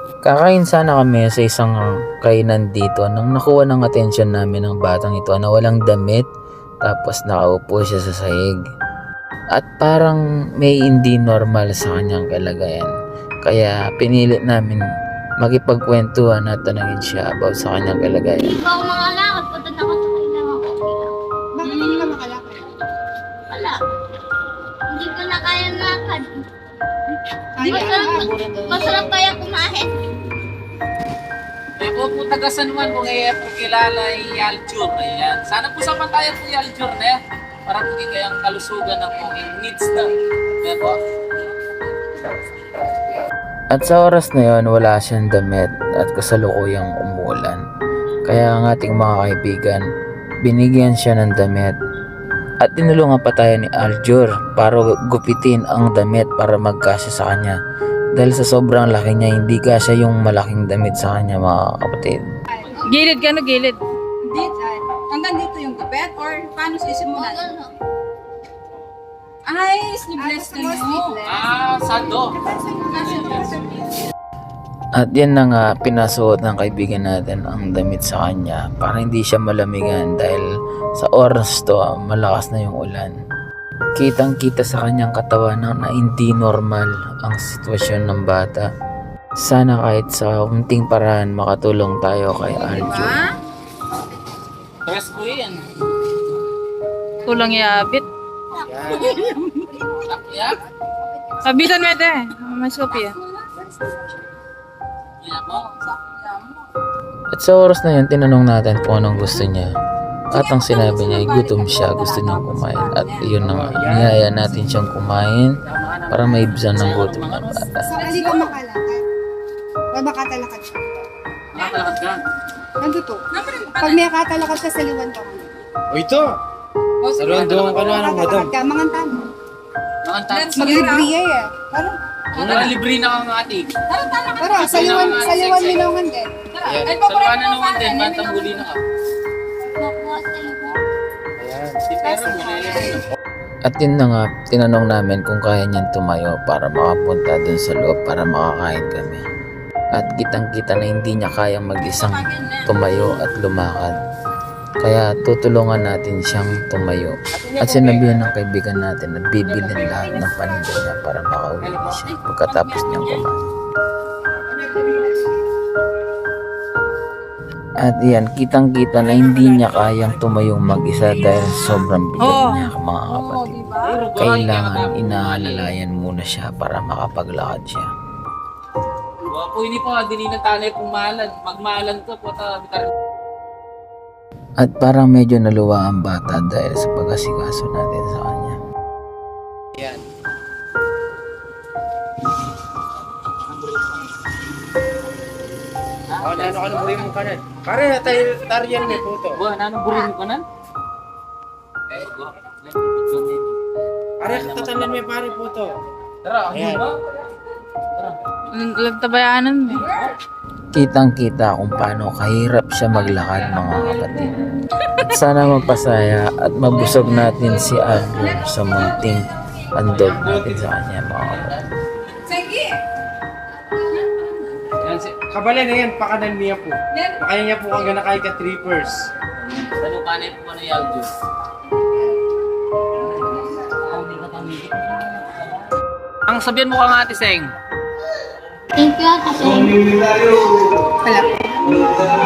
Kakain sana kami sa isang kainan dito nang nakuha ng atensyon namin ng batang ito na walang damit tapos nakaupo siya sa sahig. At parang may hindi normal sa kanyang kalagayan. Kaya pinilit namin makipagkwentuhan at tanungin siya about sa kanyang kalagayan. Ikaw mga lakad, punta na ako sa kailangan ko. Bakit hindi ka makalakad? Wala. Hindi ko na kaya lakad. Masarap kaya kumain. May po po taga San Juan kung po kilala ay Aljur. Ayan. Sana po sama tayo po yung Aljur na yan. Para po kayang kalusugan ng po needs na. Ayan po. At sa oras na yon wala siyang damit at kasalukuyang umulan. Kaya ang ating mga kaibigan, binigyan siya ng damit. At tinulungan pa tayo ni Aljur para gupitin ang damit para magkasya sa kanya. Dahil sa sobrang laki niya, hindi kasya yung malaking damit sa kanya mga kapatid. Gilid ka no, gilid. Dito, hanggang dito yung gupet or paano sisimulan? Ay, sleeveless kayo. Sando. At yan na nga, pinasuot ng kaibigan natin ang damit sa kanya para hindi siya malamigan dahil sa oras to malakas na yung ulan. Kitang kita sa kanyang katawan na hindi normal ang sitwasyon ng bata. Sana kahit sa unting paraan makatulong tayo kay Aljur. Tres po yan. Kulang yabit. Yan. Kabitan mo ito Mas kopya. Yan po. At sa oras na yun, tinanong natin kung anong gusto niya. At ang sinabi niya ay gutom siya, gusto niyang kumain. At yun na nga, niyaya natin siyang kumain para maibsan ng gutom ng bata. Sakali ka makalakad. O makatalakad siya. Nakatalakad ka. Nandito. Pag may katalakad ka sa liwan ka muna. O ito! Saruan doon ka na ng madam. Ka, mangantan. Nakantan. Maglibriya eh. Parang, Libre na kang ati. parang sa liwan minangan din. Ayan. Salwana naman din. Bantambuli na ka. Nakuha sa iyo. Si Pero mo na. At yun na nga, tinanong namin kung kaya niyang tumayo para makapunta dun sa loob para makakain kami. At kitang-kita na hindi niya kayang mag-isang tumayo at lumakad. Kaya tutulungan natin siyang tumayo. At sinabihan ng kaibigan natin na bibilin lahat ng paninda niya para makauwi na siya pagkatapos niyang kumain. At yan, kitang-kita na hindi niya kayang tumayong mag-isa dahil sobrang bigat niya mga kapatid. Kailangan inaalalayan muna siya para makapaglakad siya. Po ini po dili na tanay pumalan. Magmalan to po ta. At parang medyo naluwa ang bata dahil sa pag-asikaso natin sa kanya. Yan. O, nano ka nang mo kanan. Pare, tariyan may puto. Buwan, anong burin mo kanan? Pare, katatanan may pare puto. Tara, ang Ayan. ba? Lagtabayanan mo. Kitang-kita kung paano kahirap siya maglakad mga kapatid. At sana magpasaya at mabusog natin si Aljur sa munting andog natin sa kanya mga kapatid. Kabala na yan, pakanan niya po. Makaya niya po ang ganakay ka trippers. Ano kanay po ano yung Diyos? Ang sabihan mo ka nga, Ate Seng. Thank you, Ate Seng. Wala.